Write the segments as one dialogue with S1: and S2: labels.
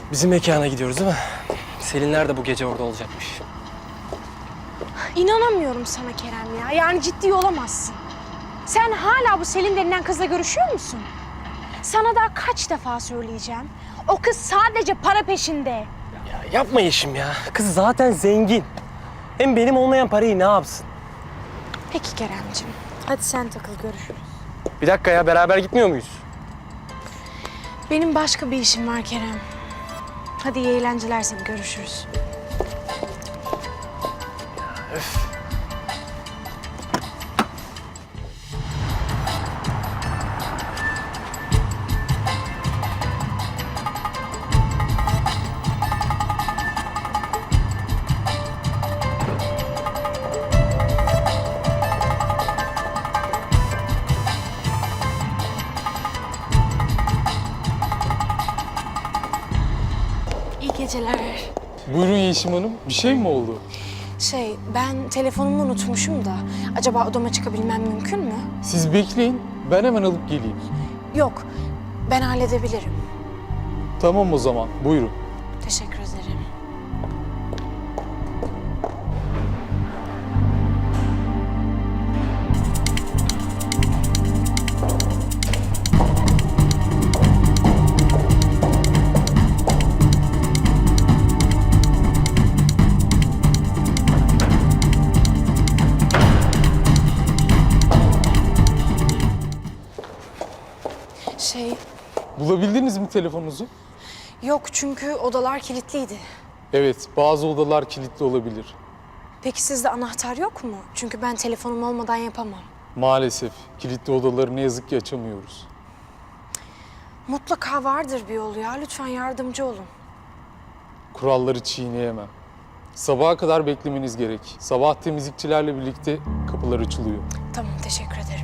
S1: Bizim mekana gidiyoruz değil mi? Selinler de bu gece orada olacakmış.
S2: İnanamıyorum sana Kerem ya. Yani ciddi olamazsın. Sen hala bu Selin denilen kızla görüşüyor musun? Sana daha kaç defa söyleyeceğim. O kız sadece para peşinde.
S1: Ya yapma Yeşim ya. Kız zaten zengin. Hem benim olmayan parayı ne yapsın?
S2: Peki Keremciğim. Hadi sen takıl, görüşürüz.
S1: Bir dakika ya, beraber gitmiyor muyuz?
S2: Benim başka bir işim var Kerem. Hadi iyi eğlenceler sana, görüşürüz. İyi geceler.
S3: Buyurun Yeşim Hanım, bir şey mi oldu?
S2: Ben telefonumu unutmuşum da. Acaba odama çıkabilmem mümkün mü?
S3: Siz bekleyin, ben hemen alıp geleyim.
S2: Yok, ben halledebilirim.
S3: Tamam o zaman, buyurun.
S2: Teşekkür ederim.
S3: Bulabildiniz mi telefonunuzu?
S2: Yok çünkü odalar kilitliydi.
S3: Evet, bazı odalar kilitli olabilir.
S2: Peki sizde anahtar yok mu? Çünkü ben telefonum olmadan yapamam.
S3: Maalesef, kilitli odaları ne yazık ki açamıyoruz.
S2: Mutlaka vardır bir yolu ya. Lütfen yardımcı olun.
S3: Kuralları çiğneyemem. Sabaha kadar beklemeniz gerek. Sabah temizlikçilerle birlikte kapılar açılıyor.
S2: Tamam, teşekkür ederim.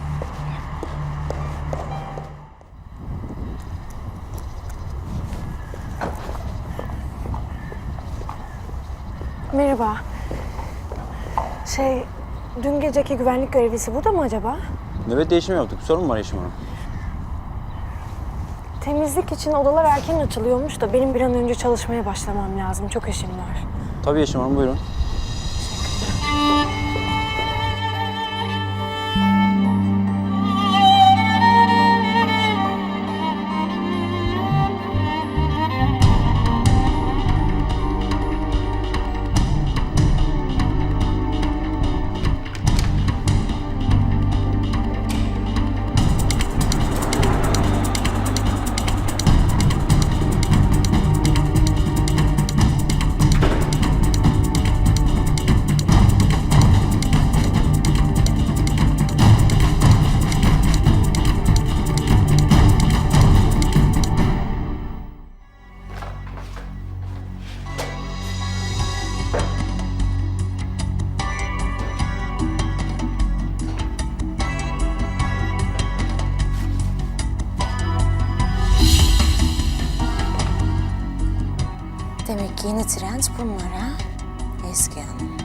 S2: Merhaba. Dün geceki güvenlik görevlisi burada mı acaba?
S4: Nöbet değişimi yaptık. Bir sorun mu var Yeşim Hanım?
S2: Temizlik için odalar erken açılıyormuş da benim bir an önce çalışmaya başlamam lazım. Çok işim var.
S4: Tabii Yeşim Hanım, buyurun.
S2: Demek ki yeni trend bunlar ha? Eski hanım.